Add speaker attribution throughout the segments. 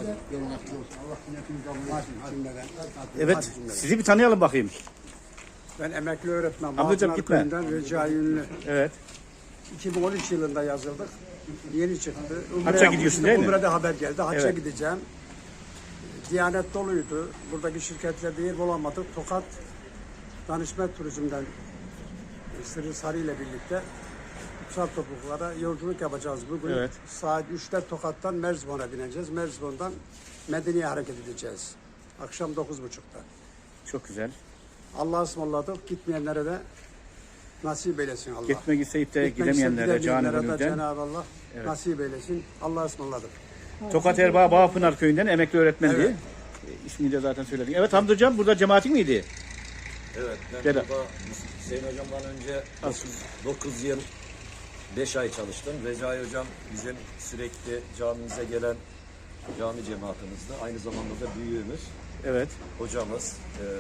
Speaker 1: Evet, sizi bir tanıyalım bakayım.
Speaker 2: Ben emekli öğretmen.
Speaker 1: Ablacığım gitme.
Speaker 2: Recai Ünlü.
Speaker 1: Evet.
Speaker 2: 2013 yılında yazıldık. Yeni çıktı.
Speaker 1: Hacca gidiyorsun değil mi?
Speaker 2: Umre'de haber geldi. Hacca
Speaker 1: Evet.
Speaker 2: gideceğim. Diyanet doluydu. Buradaki şirketlerde yer bulamadık. Tokat Danışma Turizm'den Sırrı Sarı ile birlikte kutsal topraklara yolculuk yapacağız bugün.
Speaker 1: Evet.
Speaker 2: Saat 3'te Tokat'tan Merzifon'a bineceğiz. Merzifon'dan Medine'ye hareket edeceğiz. Akşam 9.30'da.
Speaker 1: Çok güzel.
Speaker 2: Allah'a ısmarladık. Gitmeyenlere de nasip eylesin Allah.
Speaker 1: Gitmek isteyip de
Speaker 2: Gitmek
Speaker 1: gidemeyenlere
Speaker 2: isteyip
Speaker 1: canı
Speaker 2: gidemeyenlere de
Speaker 1: gönülden.
Speaker 2: Cenab-ı Allah nasip eylesin. Allah'a ısmarladık.
Speaker 1: Tokat Erbaa Bağpınar Köyü'nden emekli öğretmendi.
Speaker 2: Evet.
Speaker 1: İsmini de zaten söyledik. Evet Hamdi Hocam burada cemaatin miydi?
Speaker 3: Evet, ben
Speaker 1: Gel.
Speaker 3: burada Hüseyin Hocam'dan önce 9 yıl 5 ay çalıştım. Recai Hocam bizim sürekli camimize gelen cami cemaatimizde. Aynı zamanda da büyüğümüz,
Speaker 1: Evet.
Speaker 3: hocamız.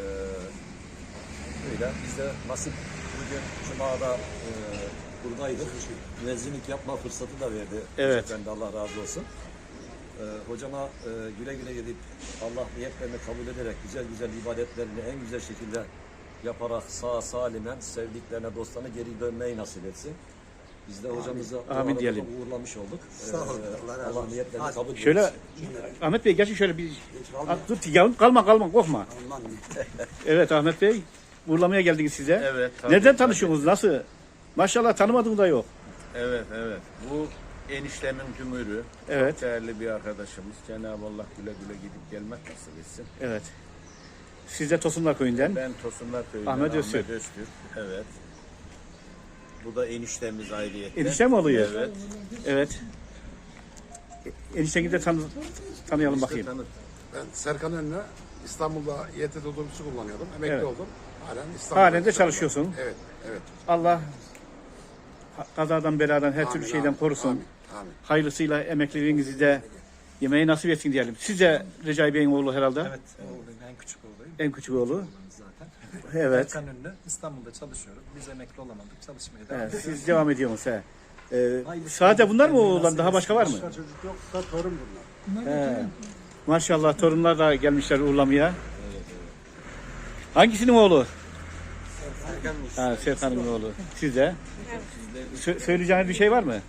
Speaker 3: Öyle. Biz de nasip bugün Cuma'da buradaydık. Müezzinlik yapma fırsatı da verdi.
Speaker 1: Evet.
Speaker 3: Ben de Allah razı olsun. Hocama güle güle gidip Allah niyetlerini kabul ederek güzel güzel ibadetlerini en güzel şekilde yaparak sağ salimen sevdiklerine dostlarına geri dönmeyi nasip etsin. Biz de hocamızı bu arada
Speaker 1: diyelim.
Speaker 3: uğurlamış olduk.
Speaker 2: Sağ olun. Allah razı
Speaker 3: Allah
Speaker 2: olsun.
Speaker 3: niyetlerini kabul etsin.
Speaker 1: Şöyle Ahmet Bey geçin şöyle bir dur yavrum kalma korkma.
Speaker 2: Aman.
Speaker 1: Evet Ahmet Bey uğurlamaya geldiniz size.
Speaker 4: Evet, tabii,
Speaker 1: Nereden tanışıyorsunuz? Nasıl? Maşallah tanımadığım da yok.
Speaker 4: Evet. Bu eniştemin tümürü.
Speaker 1: Evet.
Speaker 4: Çok değerli bir arkadaşımız. Cenab-ı Allah güle güle gidip gelmek nasip etsin.
Speaker 1: Evet. Siz de Tosunlar Köyü'nden.
Speaker 4: Ben Tosunlar Köyü'nden
Speaker 1: Ahmet
Speaker 4: Ahmet
Speaker 1: Öztürk.
Speaker 4: Öztürk. Evet. Bu da eniştemiz ayrıyetten.
Speaker 1: Enişte mi oluyor?
Speaker 4: Evet.
Speaker 1: Evet. Enişteni de tanıyalım bakayım.
Speaker 4: Tanıt.
Speaker 5: Ben Serkan Önlü, İstanbul'da YTT otobüsü kullanıyordum. Emekli
Speaker 1: Evet.
Speaker 5: oldum. Halen İstanbul'da.
Speaker 1: Halen de çalışıyorsun.
Speaker 5: Evet, evet.
Speaker 1: Allah kazadan beladan her türlü
Speaker 5: Amin,
Speaker 1: şeyden
Speaker 5: amin,
Speaker 1: korusun.
Speaker 5: amin, amin.
Speaker 1: Hayırlısıyla emekliliğinizi de yemeği nasip etsin diyelim. Siz de Recai Bey'in oğlu herhalde.
Speaker 6: Evet, oğluyum, en küçük oğluyum.
Speaker 1: En küçük oğlu.
Speaker 6: Zaten.
Speaker 1: Evet.
Speaker 6: Erkan Ünlü, İstanbul'da çalışıyorum. Biz emekli olamadık, çalışmaya devam
Speaker 1: Evet,
Speaker 6: ediyoruz.
Speaker 1: siz devam ediyorsunuz. He. Sadece bunlar mı oğlan? Daha başka var mı?
Speaker 2: Başka çocuk yok da torun bunlar.
Speaker 1: He. Maşallah torunlar da gelmişler uğurlamaya. Hangisinin oğlu? Serkan'ın oğlu. Siz de? Söyleyeceğiniz bir şey var mı?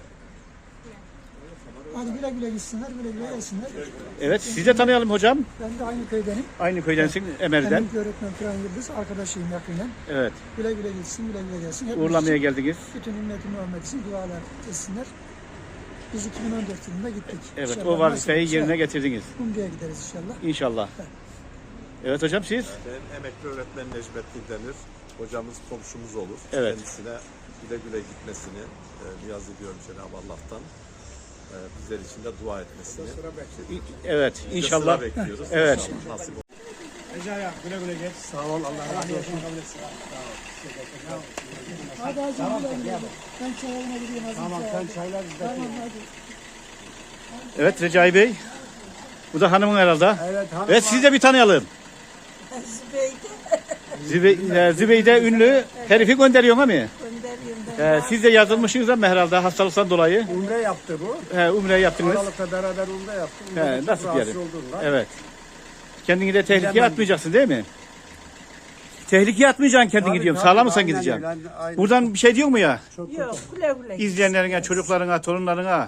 Speaker 7: Hadi güle güle gitsinler, güle güle gelsinler.
Speaker 1: Evet, siz de tanıyalım hocam.
Speaker 7: Ben de aynı köydenim.
Speaker 1: Aynı köydensin, Emel'den.
Speaker 7: Emekli öğretmen Turan Yıldız, arkadaşıyım yakinen.
Speaker 1: Evet,
Speaker 7: Güle güle gitsin, güle güle gelsin. Hepimiz
Speaker 1: uğurlamaya
Speaker 7: için,
Speaker 1: geldiniz.
Speaker 7: bütün ümmeti Muhammed için dualar etsinler. Biz 2014 yılında gittik.
Speaker 1: Evet,
Speaker 7: İnşallah
Speaker 1: o vazifeyi
Speaker 7: nasip
Speaker 1: yerine
Speaker 7: olursa
Speaker 1: getirdiniz.
Speaker 7: Umre'ye gideriz inşallah.
Speaker 1: İnşallah. Evet hocam siz?
Speaker 8: Ben emekli öğretmen Necmettin Demir. Hocamız komşumuz olur.
Speaker 1: Evet.
Speaker 8: Kendisine güle güle gitmesini niyaz ediyorum Cenab-ı Allah'tan. Bizler için de dua etmesini.
Speaker 1: Evet,
Speaker 8: Biz de
Speaker 1: inşallah.
Speaker 8: sıra bekliyoruz.
Speaker 1: Evet.
Speaker 8: İnşallah nasip olur.
Speaker 2: Sağ ol. Allah razı olsun.
Speaker 7: Hadi hadi güle güle. Ben çayına gideyim.
Speaker 2: Tamam sen çaylar bizde.
Speaker 7: Tamam hadi.
Speaker 1: Evet Recai Bey. Bu da hanımın herhalde.
Speaker 2: Evet hanım.
Speaker 1: Evet siz de bir tanıyalım. Zübeyde ünlü herifi gönderiyorsun ama. Siz de yazılmışsınız ama herhalde hastalıktan dolayı.
Speaker 2: Umre yaptı bu.
Speaker 1: Umre yaptınız.
Speaker 2: Aralıkta beraber umre yaptık. Umre'de
Speaker 1: Nasıl
Speaker 2: çok rahatsız
Speaker 1: diyelim?
Speaker 2: olduğundan.
Speaker 1: Evet. Kendini de tehlikeye
Speaker 2: Bilemem.
Speaker 1: atmayacaksın değil mi? Tehlikeye atmayacaksın kendini
Speaker 2: Tabii,
Speaker 1: diyorum.
Speaker 2: tabii,
Speaker 1: Sağlam mısın
Speaker 2: aynen
Speaker 1: gideceksin?
Speaker 2: öyle, aynen.
Speaker 1: Buradan bir şey diyor mu ya?
Speaker 2: Çok
Speaker 9: Yok, güle güle.
Speaker 1: İzleyenlerine, çocuklarına, torunlarına.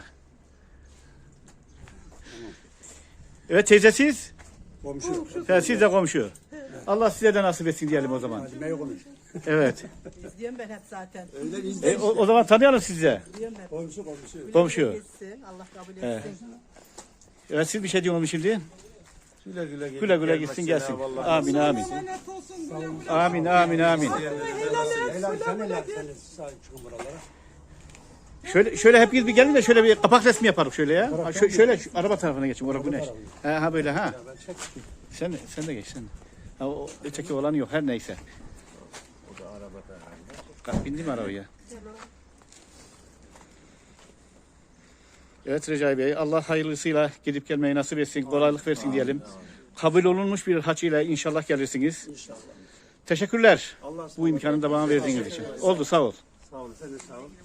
Speaker 1: Evet teyze siz?
Speaker 2: Komşu.
Speaker 1: Siz de komşu. Allah size de nasip etsin diyelim o zaman.
Speaker 2: Hadi mey konuş.
Speaker 1: Evet.
Speaker 9: İzliyorum ben hep zaten.
Speaker 2: Öyle izle.
Speaker 1: O zaman tanıyalım sizi de.
Speaker 9: İzliyorum hep.
Speaker 2: Komşu.
Speaker 1: Komşu.
Speaker 9: Gitsin, Allah kabul etsin.
Speaker 1: Evet siz bir şey diyorsunuz şimdi?
Speaker 8: Güle güle gidip
Speaker 1: Güle güle
Speaker 8: gelmek
Speaker 1: gitsin
Speaker 8: Cenab-ı
Speaker 1: gelsin.
Speaker 8: Allah
Speaker 1: Amin amin.
Speaker 9: Emanet olsun, güle güle.
Speaker 1: Amin amin amin.
Speaker 2: Helal sen helal. Sen sahip çıkın buralara.
Speaker 1: Şöyle hepiniz bir gelin de şöyle bir kapak resmi yapalım şöyle ya. Ha, şöyle şu araba tarafına geçin. Orada güneş. Ha böyle ha. Sen de geç sen. Ha, o öteki olan yok her neyse. O da arabada herhalde. Bindi mi arabaya? Evet Recai Bey, Allah hayırlısıyla gidip gelmeyi nasip etsin, kolaylık versin diyelim. Kabul olunmuş bir hac ile inşallah gelirsiniz. İnşallah. Teşekkürler bu imkanı da bana verdiğiniz için. Oldu sağ ol.
Speaker 2: Sağ ol. Sen de sağ ol.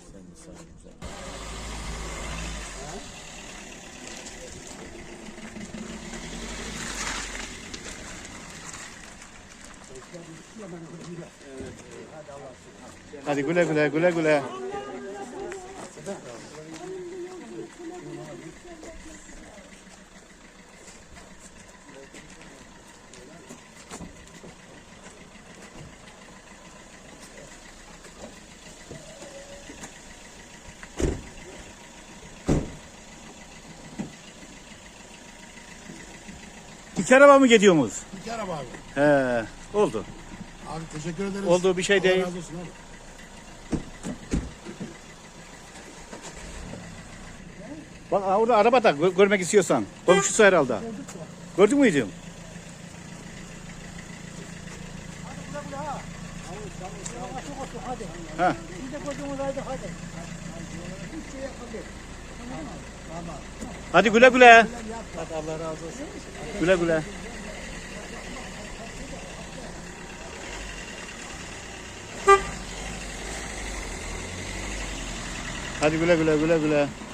Speaker 1: Hadi güle güle güle güle. İki araba mı gidiyorsunuz?
Speaker 5: İki araba abi.
Speaker 1: He, oldu.
Speaker 5: Abi teşekkür ederiz.
Speaker 1: Olduğu bir şey
Speaker 5: Allah
Speaker 1: değil.
Speaker 5: razı olsun abi.
Speaker 1: Bak orada arabada görmek istiyorsan. Komşusu herhalde. Gördün mü hocam? Ha. Hadi güle güle. Güle güle. Hadi güle güle güle güle.